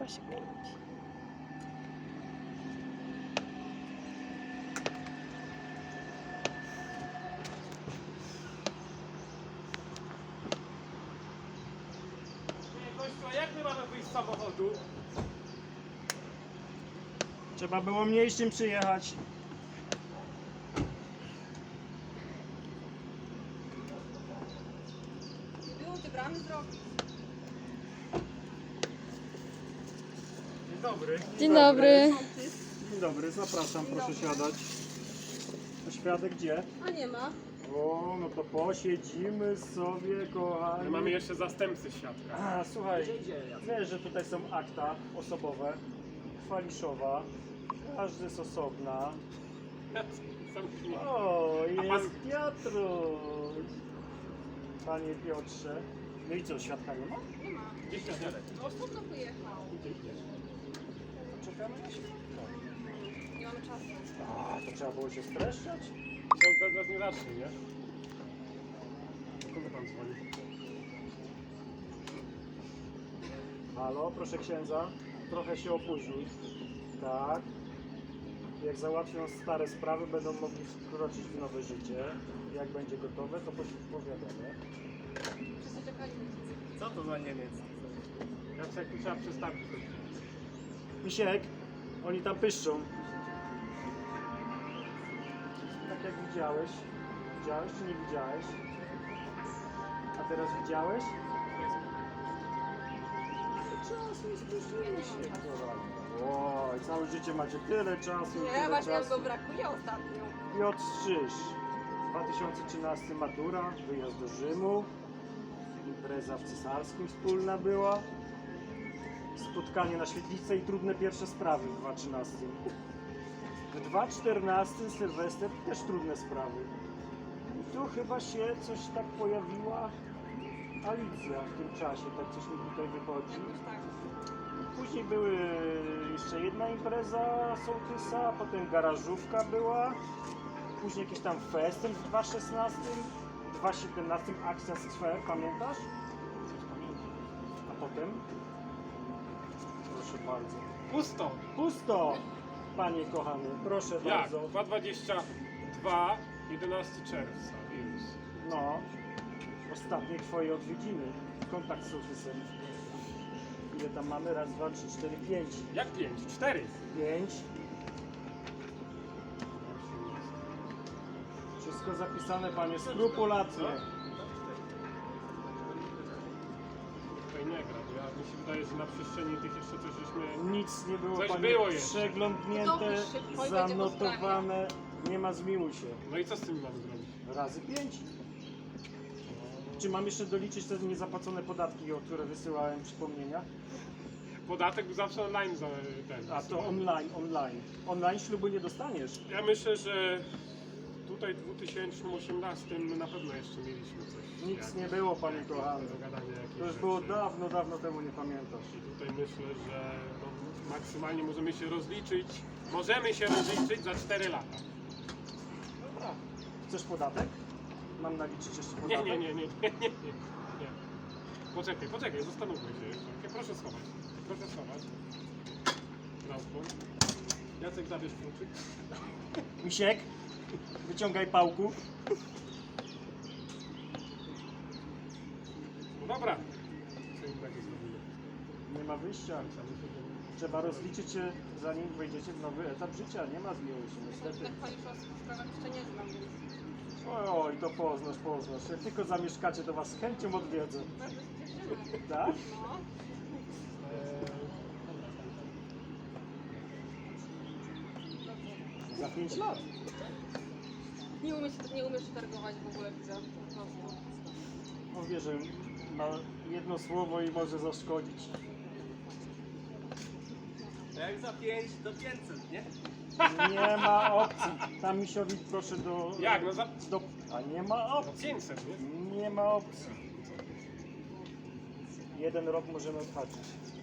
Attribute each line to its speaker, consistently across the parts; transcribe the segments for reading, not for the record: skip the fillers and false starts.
Speaker 1: chyba się kręci.
Speaker 2: Gościu, a jak my mamy wyjść z samochodu?
Speaker 3: Trzeba było mniejszym przyjechać.
Speaker 4: Nie było ty bramy zrobić.
Speaker 2: Dzień dobry.
Speaker 1: Dzień dobry.
Speaker 3: Dzień dobry, zapraszam, proszę siadać. A świadek gdzie?
Speaker 4: A nie ma.
Speaker 3: O, no to posiedzimy sobie, kochani.
Speaker 2: My mamy jeszcze zastępcę świadka.
Speaker 3: A, słuchaj, wiesz, że tutaj są akta osobowe, Kwaliszowa, każdy z osobna.
Speaker 2: Zamknij.
Speaker 3: O,
Speaker 2: A pan-
Speaker 3: jest Piotruś. Panie Piotrze. No i co, świadka nie ma?
Speaker 4: Nie ma.
Speaker 2: Gdzie świadek?
Speaker 4: No osobno pojechał.
Speaker 3: Czekamy na świadka.
Speaker 4: Nie mamy czasu.
Speaker 3: A, to trzeba było się streszczać?
Speaker 2: Ksiądz bez nas nie zacznie, nie? Do kogo pan dzwoni?
Speaker 3: Halo, proszę księdza, trochę się opóźni. Tak. Jak załatwią stare sprawy, będą mogli wkroczyć w nowe życie. Jak będzie gotowe, to powiadamy.
Speaker 4: Wszyscy czekali.
Speaker 2: Co to za Niemiec? Jak tu trzeba przestawić.
Speaker 3: Misiek, oni tam pyszczą. Tak jak widziałeś. Widziałeś czy nie widziałeś? A teraz widziałeś? Czas nie spóźnimy się, kochani. Oj, całe życie macie tyle czasu.
Speaker 4: Nie,
Speaker 3: tyle
Speaker 4: właśnie
Speaker 3: czasu.
Speaker 4: go brakuje ostatnio.
Speaker 3: Piotr Strzyż, 2013 matura, wyjazd do Rzymu, impreza w Cesarskim wspólna była, spotkanie na świetlicy i trudne pierwsze sprawy w 2013. W 2014 Sylwester też trudne sprawy. I tu chyba się coś tak pojawiła Alicja w tym czasie, tak coś mi tutaj wychodzi.
Speaker 4: Jakoś tak.
Speaker 3: Później były jeszcze jedna impreza sołtysa, potem garażówka była, później jakiś tam festyn w 2016, w 2017 akcja z Twer, pamiętasz? A potem? Proszę bardzo.
Speaker 2: Pusto!
Speaker 3: Pusto, panie kochany, proszę
Speaker 2: Jak?
Speaker 3: bardzo.
Speaker 2: 2:22, 11 czerwca, wirus.
Speaker 3: No, ostatnie twoje odwiedziny, kontakt z sołtysem. Ile tam mamy? Raz, dwa, trzy, cztery, pięć.
Speaker 2: Jak 5? 4.
Speaker 3: 5. Wszystko zapisane, panie, skrupulatnie.
Speaker 2: Tutaj nie gra, bo mi się wydaje, że na przestrzeni tych jeszcze coś żeśmy...
Speaker 3: Nic nie było,
Speaker 2: Coś
Speaker 3: panie,
Speaker 2: było jeszcze.
Speaker 3: przeglądnięte,
Speaker 4: Dopisz szybko i będzie po
Speaker 3: zanotowane. Nie ma zmiłuj się.
Speaker 2: No i co z tym mamy zrobić?
Speaker 3: Razy 5. Czy mam jeszcze doliczyć te niezapłacone podatki, o które wysyłałem przypomnienia?
Speaker 2: Podatek był zawsze online za ten.
Speaker 3: A to online. Online ślubu nie dostaniesz.
Speaker 2: Ja myślę, że tutaj w 2018 na pewno jeszcze mieliśmy coś.
Speaker 3: Nic nie było, panie kochany.
Speaker 2: Do gadania jakieś
Speaker 3: To już
Speaker 2: rzeczy.
Speaker 3: było dawno, dawno temu, nie pamiętasz.
Speaker 2: I tutaj myślę, że no, maksymalnie możemy się rozliczyć. Możemy się rozliczyć za 4 lata.
Speaker 3: Dobra. Chcesz podatek? Mam naliczyć jeszcze
Speaker 2: Nie,
Speaker 3: podatek?
Speaker 2: nie. Poczekaj, zastanówmy się jeszcze. Proszę schować. Transport. Jacek, zabierz kluczyk.
Speaker 3: Misiek, wyciągaj pałku.
Speaker 2: No dobra. Co innego zrobimy?
Speaker 3: Nie ma wyjścia. Trzeba rozliczyć się, zanim wejdziecie w nowy etap życia. Nie ma zmiłuj się, niestety.
Speaker 4: Tak pani w sprawach jeszcze nie znam, więc
Speaker 3: Oj, to poznasz. Jak tylko zamieszkacie, to was z chęcią odwiedzę.
Speaker 4: bardzo się cieszymy.
Speaker 3: Tak?
Speaker 4: No.
Speaker 3: Za 5 lat.
Speaker 4: Nie umiesz się targować w ogóle, widzę. Po prostu.
Speaker 3: No wie, że ma jedno słowo i może zaszkodzić.
Speaker 5: Jak za 5 do 500, nie?
Speaker 3: Nie ma opcji. Tam misiowi proszę do...
Speaker 2: Jak? No za
Speaker 3: do... A nie ma opcji.
Speaker 2: 500, nie?
Speaker 3: Nie ma opcji. 1 rok możemy odhaczyć.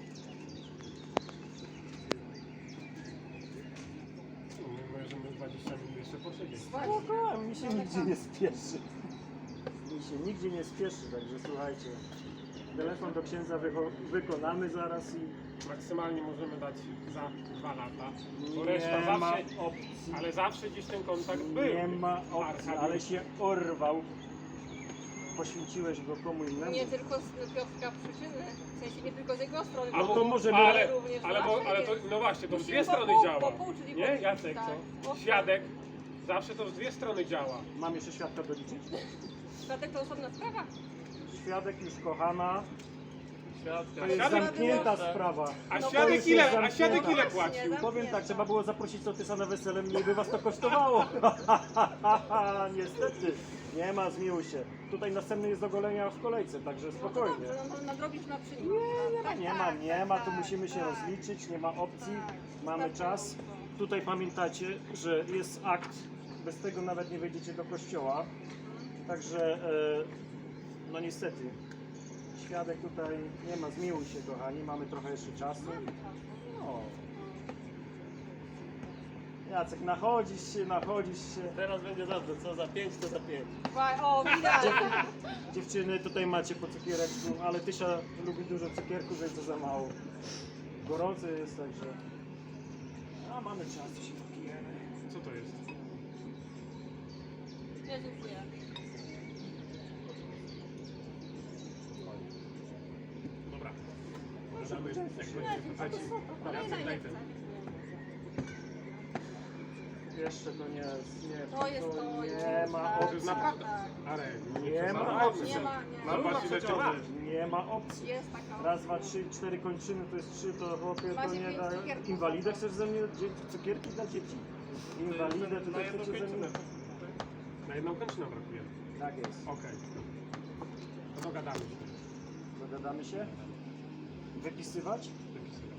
Speaker 2: Możemy 20 minut jeszcze posiedzieć.
Speaker 3: Spoko, mi się nigdzie nie spieszy. Mi się nigdzie nie spieszy, także słuchajcie. Telefon do księdza wykonamy zaraz i
Speaker 2: Maksymalnie możemy dać za 2 lata. Bo reszta
Speaker 3: nie ma
Speaker 2: zawsze,
Speaker 3: opcji.
Speaker 2: ale zawsze gdzieś ten kontakt był.
Speaker 3: Nie ma opcji,
Speaker 2: Arkadiusz.
Speaker 3: ale się orwał. Poświęciłeś go komu innemu.
Speaker 4: Nie tylko z Piotrka przyczyny, w sensie nie tylko z jego strony,
Speaker 2: Albo
Speaker 3: to może
Speaker 2: ale,
Speaker 4: również
Speaker 2: ale to, no właśnie, to w
Speaker 4: Musimy
Speaker 2: dwie strony
Speaker 4: po
Speaker 2: działa.
Speaker 4: pół, czyli
Speaker 2: Nie,
Speaker 4: po-
Speaker 2: Jacek,
Speaker 4: tak.
Speaker 2: co? Świadek, zawsze to w dwie strony działa.
Speaker 3: Mam jeszcze świadka doliczyć?
Speaker 4: Świadek to osobna sprawa.
Speaker 3: Świadek już kochana. To jest
Speaker 2: Świadek-
Speaker 3: zamknięta sprawa.
Speaker 2: A
Speaker 4: No
Speaker 2: świadek
Speaker 3: jest
Speaker 2: ile, a
Speaker 3: zamknięta.
Speaker 2: świadek ile
Speaker 4: Właśnie,
Speaker 2: płacił?
Speaker 4: zamknięta.
Speaker 3: Powiem tak, trzeba było zaprosić sołtysa na wesele, mniej by was to kosztowało. Niestety, nie ma, zmiłuj się. Tutaj następny jest do golenia w kolejce, także
Speaker 4: No to
Speaker 3: spokojnie.
Speaker 4: dobrze, no, nadrobisz na przynik.
Speaker 3: Nie ma, tu musimy się rozliczyć, nie ma opcji, mamy czas. Tutaj pamiętacie, że jest akt, bez tego nawet nie wejdziecie do kościoła. Także, no niestety, świadek tutaj nie ma, zmiłuj się kochani, mamy trochę jeszcze czasu. No. Jacek, nachodzisz się.
Speaker 5: Teraz będzie dobrze, co za 5, to za 5.
Speaker 4: O, widać.
Speaker 3: Dziewczyny, tutaj macie po cukiereczku, ale Tysia lubi dużo cukierku, więc to za mało. Gorący jest, także... A mamy czas, to się popijemy.
Speaker 2: Co to jest?
Speaker 4: Ja dziękuję.
Speaker 2: Dobra. Damy, jak będzie
Speaker 4: A to
Speaker 2: leci.
Speaker 4: super.
Speaker 2: Jacek, daj ten.
Speaker 3: Jeszcze to nie jest, nie,
Speaker 4: To jest to,
Speaker 3: nie
Speaker 4: już,
Speaker 3: ma
Speaker 4: tak.
Speaker 2: To jest
Speaker 3: opcji.
Speaker 2: naprawdę.
Speaker 4: Tak.
Speaker 2: Ale
Speaker 3: Nie ma
Speaker 2: przesadzajmy.
Speaker 3: opcji.
Speaker 4: Nie ma, nie ma.
Speaker 2: Zobacz ile ty masz.
Speaker 3: Nie ma opcji.
Speaker 4: Jest taka.
Speaker 3: Raz, dwa, trzy, 4 kończyny, to jest 3, to chłopie, to
Speaker 4: Macie
Speaker 3: nie
Speaker 4: pięć
Speaker 3: da...
Speaker 4: cukierków.
Speaker 3: Inwalidę chcesz ze mnie, cukierki dla dzieci? Inwalidę
Speaker 2: Na
Speaker 3: tutaj
Speaker 2: jedną
Speaker 3: chcecie ze mnie?
Speaker 2: kończynę. Na jedną kończynę brakuje.
Speaker 3: Tak jest.
Speaker 2: Okej. To dogadamy się.
Speaker 3: Dogadamy się? Wypisywać?
Speaker 2: Wypisuję.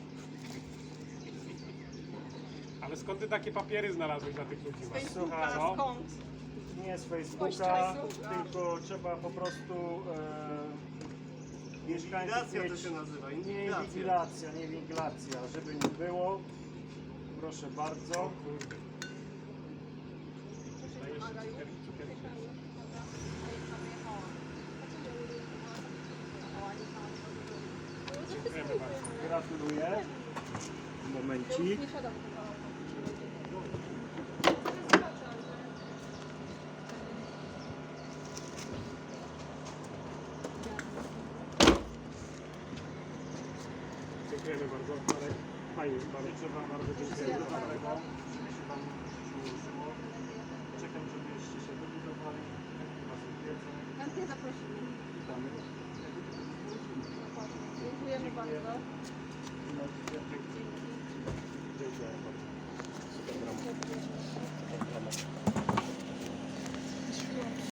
Speaker 2: Ale skąd ty takie papiery znalazłeś dla tych ludzi?
Speaker 4: Z
Speaker 2: właśnie?
Speaker 4: Facebooka,
Speaker 2: Co?
Speaker 4: skąd?
Speaker 3: Nie z
Speaker 4: Kościa,
Speaker 3: Facebooka,
Speaker 4: Facebooka.
Speaker 3: tylko trzeba po prostu mieszkańców
Speaker 5: Inwigilacja to
Speaker 3: mieć...
Speaker 5: się nazywa,
Speaker 3: Nie
Speaker 5: inwigilacja.
Speaker 3: inwigilacja, nie inwigilacja, żeby nie było. Proszę bardzo.
Speaker 2: Kurde. Dajesz cukierki? Dziękujemy bardzo.
Speaker 3: Gratuluję. Momencik.
Speaker 4: Nie siadam.
Speaker 2: Dziękujemy bardzo. Marek. Fajnie, bardzo.
Speaker 3: Życzę Wam bardzo dziękuję za dobrego, żeby się Wam przyłożyło. Czekam, żebyście się wybudowali. Was odwiedzę.
Speaker 4: Chętnie zaprosimy.
Speaker 3: Witamy.
Speaker 4: Dziękujemy bardzo.
Speaker 3: Dziękuję.